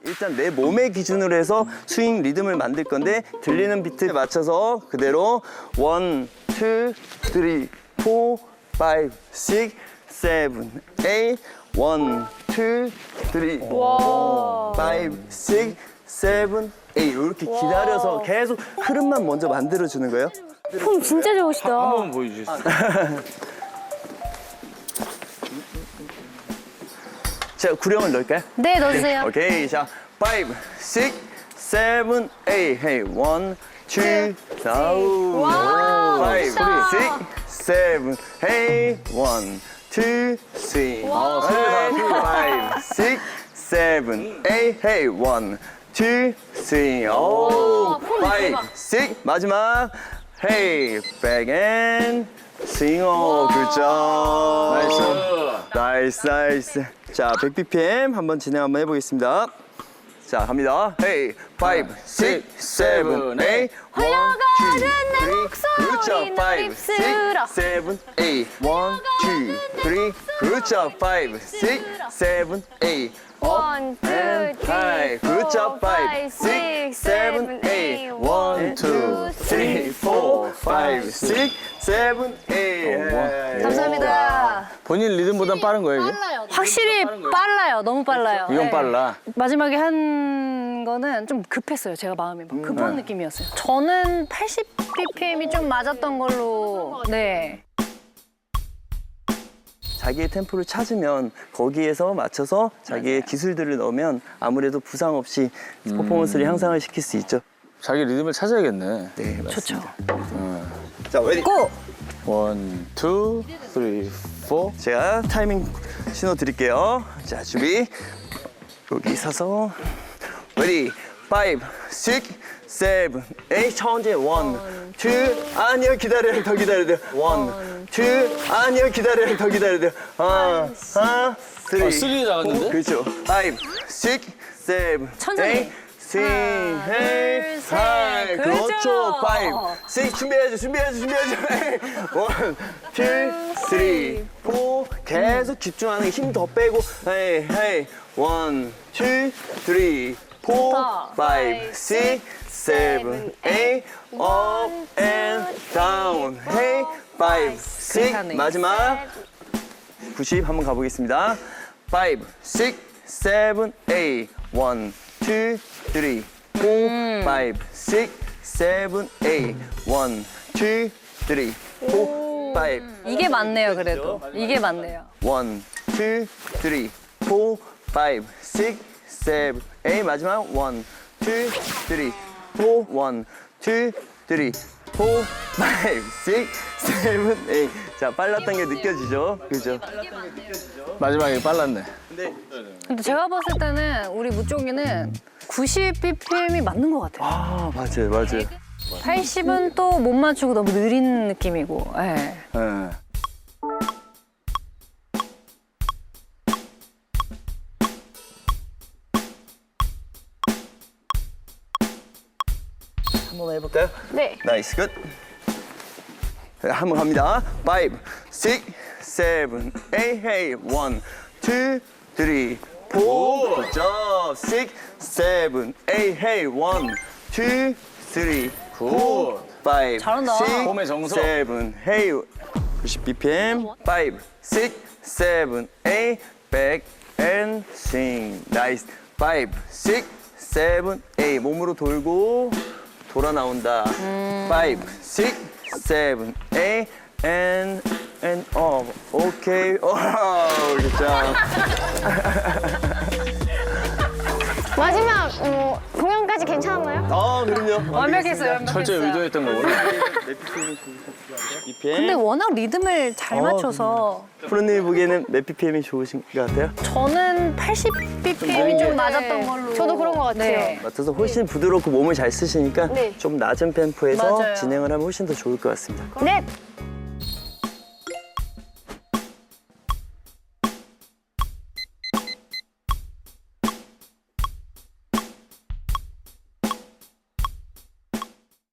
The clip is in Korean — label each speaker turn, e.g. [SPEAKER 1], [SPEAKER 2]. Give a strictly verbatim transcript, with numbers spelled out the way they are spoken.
[SPEAKER 1] 일단 내 몸의 기준으로 해서 스윙 리듬을 만들 건데 들리는 비트에 맞춰서 그대로 원, 투, 쓰리, 포, 파이브, 식스, 세븐, 에잇, 원, 투, 쓰리, 포, 파이브, 식스, 세븐, 에잇 이렇게 기다려서 계속 흐름만 먼저 만들어주는 거예요.
[SPEAKER 2] 폼 진짜 좋으시다.
[SPEAKER 3] 한 번만 보여주세요.
[SPEAKER 1] 자, 구령을 넣을까요?
[SPEAKER 2] 네, 넣어주세요.
[SPEAKER 1] 오케이, 자, 파이브, 식스, 세븐, 에잇, 헤이, 원, 투, 사우,
[SPEAKER 2] 와우,
[SPEAKER 1] 파이브,
[SPEAKER 2] 멋있다.
[SPEAKER 1] 식스, 세븐, 에잇, 원, 투, 쓰리,
[SPEAKER 2] 와우.
[SPEAKER 1] 파이브, 식스, 세븐, 에잇, 헤이, 원, 투, 쓰리, 오,
[SPEAKER 2] 폼
[SPEAKER 1] 파이브,
[SPEAKER 2] 대박.
[SPEAKER 1] 식스, 마지막, 헤이, 백앤, 스윙, 오, 굿잡. 나이스. 나이스, 나이스. 자, 백 비피엠 한번 진행 한번 해보겠습니다. 자, 갑니다. 헤이, 파이브, 식스, 세븐, 에잇,
[SPEAKER 2] 흘러가는 내 목소리 널 입술어.
[SPEAKER 1] 세븐, 에잇, 원, 투, 쓰리, 굿잡, 파이브, 식스, 세븐, 에잇,
[SPEAKER 2] 원, 투, 쓰리,
[SPEAKER 1] 굿잡,
[SPEAKER 2] 포,
[SPEAKER 1] 파이브, 식스, 세븐, 에잇, 원, 투, 쓰리, 포, 파이브, 식스, 세븐, 에잇.
[SPEAKER 2] 감사합니다.
[SPEAKER 3] 본인 리듬보단 빠른 거예요, 이게?
[SPEAKER 2] 확실히 빨라요. 너무 빨라요.
[SPEAKER 3] 이건
[SPEAKER 2] 네.
[SPEAKER 3] 빨라.
[SPEAKER 2] 마지막에 한 거는 좀 급했어요. 제가 마음이 막 급한 느낌이었어요. 저는 팔십 비피엠이 좀 맞았던 걸로. 네.
[SPEAKER 1] 자기의 템포를 찾으면 거기에서 맞춰서 자기의 기술들을 넣으면 아무래도 부상 없이 퍼포먼스를 향상을 시킬 수 있죠.
[SPEAKER 3] 자기 리듬을 찾아야겠네.
[SPEAKER 1] 네,
[SPEAKER 2] 좋죠.
[SPEAKER 1] 맞습니다. 자, 레디.
[SPEAKER 2] 고!
[SPEAKER 3] 원, 투, 쓰리, 포.
[SPEAKER 1] 제가 타이밍 신호 드릴게요. 자, 준비. 여기 서서 레디. 파이브, 식스, 세븐, 에잇. 천천히 원, 투. 아니요, 기다려요. 더 기다려야 돼요. 원, 투. 아니요, 기다려요. 더 기다려야 돼요. 하나, 하나, 쓰리.
[SPEAKER 3] 아, 쓰리 나갔는데?
[SPEAKER 1] 그렇죠. 파이브, 식스, 세븐,
[SPEAKER 2] 천천히.
[SPEAKER 1] 에잇. 스윙, 헤이,
[SPEAKER 2] 셋.
[SPEAKER 1] 하이.
[SPEAKER 2] 그렇죠.
[SPEAKER 1] 그렇죠. 파이브, 식스. 준비해야죠. 준비해야죠. 준비해야죠. 원, 투, 쓰리, 포. 계속 집중하는 힘 더 빼고. 헤이, 헤이. 원, 투, 쓰리, 포,
[SPEAKER 2] 좋다.
[SPEAKER 1] 파이브, 식스, 세븐, 에잇. 업 앤 다운. 헤이, 파이브, 식스.
[SPEAKER 2] 괜찮네.
[SPEAKER 1] 마지막. 구십 한번 가보겠습니다. 파이브, 식스, 세븐, 에잇. 원, 투, 쓰리, 포, 파이브, 식스, 세븐, 에잇. 원, 투, 쓰리, 포, 파이브.
[SPEAKER 2] 이게 맞네요, 그래도. 이게 맞네요.
[SPEAKER 1] 원, 투, 쓰리, 포, 파이브, 식스, 세븐, 에잇. 마지막 원, 투, 쓰리, 포, 원, 투, 쓰리, 포, 파이브, 식스, 세븐, 에잇. 자, 빨랐던 게 느껴지죠? 그죠?
[SPEAKER 3] 마지막에 빨랐네.
[SPEAKER 2] 근데 제가 봤을 때는 우리 무쪽이는 구십 비피엠이 맞는 것 같아요.
[SPEAKER 1] 아, 맞아요, 맞아요.
[SPEAKER 2] 팔십은 또 못 맞추고 너무 느린 느낌이고. 예.
[SPEAKER 3] 네.
[SPEAKER 1] 한번 해볼까요?
[SPEAKER 2] 네.
[SPEAKER 1] 나이스, 굿. 한번 갑니다. 파이브, 식스, 세븐, 에잇, 헤이. 원, 투, 쓰리, 포. 굿잡. 식스, 세븐, 에잇, 헤이. 원, 투, 쓰리, 포. 파이브,
[SPEAKER 2] 잘한다.
[SPEAKER 3] 폼의 정석.
[SPEAKER 1] 세븐, 헤이. 구십 비피엠. 파이브, 식스, 세븐, 에잇. 백 앤 스윙. 나이스. 파이브, 식스, 세븐, 에잇. 몸으로 돌고 돌아 나온다. 파이브, 식스, 세븐, 에잇. and and 업. 오케이. 오, 굿잡.
[SPEAKER 4] 마지막 어, 공연까지 괜찮았나요?
[SPEAKER 1] 아, 그럼요.
[SPEAKER 2] 완벽했어요, 완벽했어요.
[SPEAKER 3] 철저히 의도했던 거구나.
[SPEAKER 1] 비피엠.
[SPEAKER 2] 근데 워낙 리듬을 잘
[SPEAKER 1] 어,
[SPEAKER 2] 맞춰서
[SPEAKER 1] 프로님 보기에는 몇 비피엠이 좋으신 것 같아요?
[SPEAKER 2] 저는 팔십 비피엠이 좀 맞았던 걸로.
[SPEAKER 4] 저도 그런 것 같아요.
[SPEAKER 2] 네.
[SPEAKER 1] 맞아서 훨씬 부드럽고 몸을 잘 쓰시니까
[SPEAKER 4] 네.
[SPEAKER 1] 좀 낮은 템포에서
[SPEAKER 2] 맞아요.
[SPEAKER 1] 진행을 하면 훨씬 더 좋을 것 같습니다.
[SPEAKER 4] 네.